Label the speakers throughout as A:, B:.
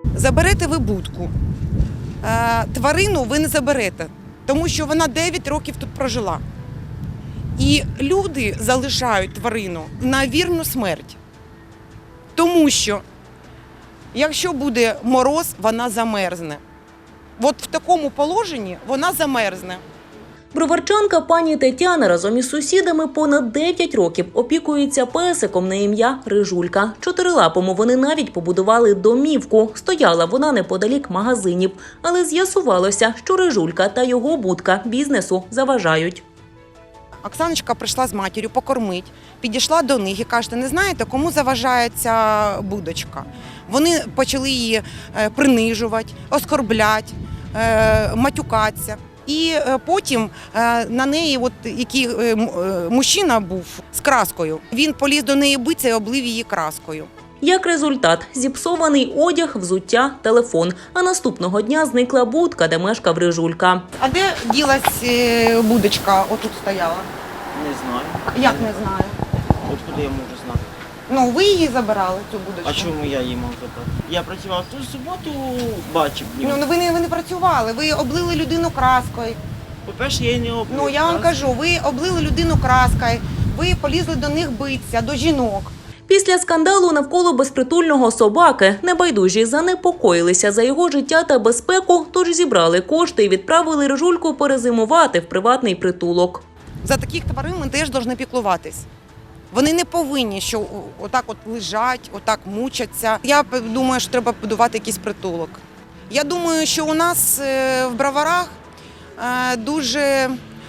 A: Заберете ви будку, тварину ви не заберете, тому що вона 9 років тут прожила. І люди залишають тварину на вірну смерть. Тому що, якщо буде мороз, вона замерзне. От в такому положенні вона замерзне.
B: Броварчанка пані Тетяна разом із сусідами понад 9 років опікується песиком на ім'я Рижулька. Чотирилапому вони навіть побудували домівку. Стояла вона неподалік магазинів. Але з'ясувалося, що Рижулька та його будка бізнесу заважають.
A: Оксаночка прийшла з матір'ю покормить, підійшла до них і каже: не знаєте, кому заважає ця будочка? Вони почали її принижувати, оскорбляти, матюкатися. І потім на неї, який мужчина був з краскою, він поліз до неї битися і облив її краскою.
B: Як результат – зіпсований одяг, взуття, телефон. А наступного дня зникла будка, де мешкав Рижулька.
A: А де ділась будочка? Отут стояла.
C: Не знаю.
A: Як не знаю?
C: Откуда я можу знати?
A: Ну, ви її забирали, цю будочку.
C: А чому я її мав забрати? Я працював ту суботу, бачив.
A: Ну, ви не працювали, ви облили людину краскою.
C: По-перше, я її не облив.
A: Ну, я вам кажу, ви облили людину краскою, ви полізли до них битися, до жінок.
B: Після скандалу навколо безпритульного собаки небайдужі занепокоїлися за його життя та безпеку, тож зібрали кошти і відправили Рижульку перезимувати в приватний притулок.
A: За таких тварин ми теж повинні піклуватись. Вони не повинні, що отак от лежать, отак мучаться. Я думаю, що треба будувати якийсь притулок. Я думаю, що у нас в Броварах дуже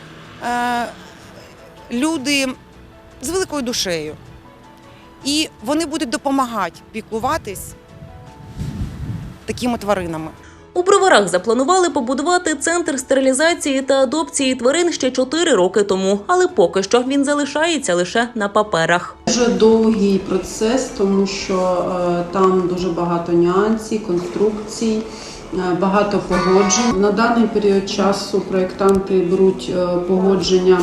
A: люди з великою душею. І вони будуть допомагати піклуватись такими тваринами.
B: У Броварах запланували побудувати центр стерилізації та адопції тварин ще 4 роки тому, але поки що він залишається лише на паперах.
D: Дуже довгий процес, тому що там дуже багато нюансів, конструкцій, багато погоджень. На даний період часу проєктанти беруть погодження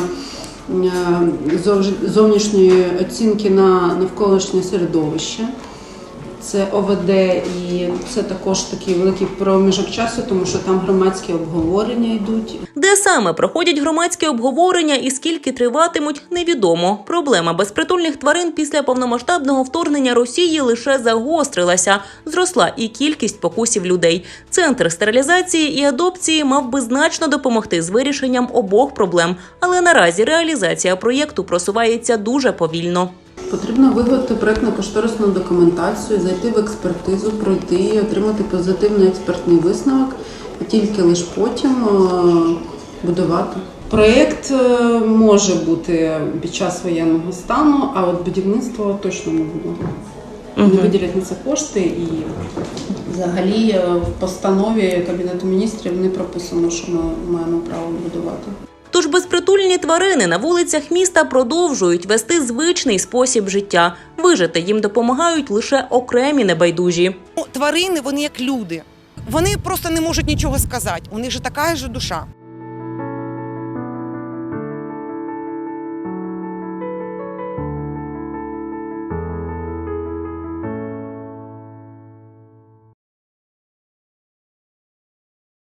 D: зовнішньої оцінки на навколишнє середовище. Це ОВД, і це також такий великий проміжок часу, тому що там громадські обговорення йдуть.
B: Де саме проходять громадські обговорення і скільки триватимуть, невідомо. Проблема безпритульних тварин після повномасштабного вторгнення Росії лише загострилася. Зросла і кількість покусів людей. Центр стерилізації і адопції мав би значно допомогти з вирішенням обох проблем. Але наразі реалізація проєкту просувається дуже повільно.
D: Потрібно виготовити проєктно-кошторисну документацію, зайти в експертизу, пройти і отримати позитивний експертний висновок, і тільки лише потім будувати. Проєкт може бути під час воєнного стану, а от будівництво точно не буде. Не виділять на це кошти, і взагалі в постанові Кабінету міністрів не прописано, що ми маємо право будувати.
B: Тож безпритульні тварини на вулицях міста продовжують вести звичний спосіб життя. Вижити їм допомагають лише окремі небайдужі.
A: Тварини, вони як люди. Вони просто не можуть нічого сказати. У них же така ж душа.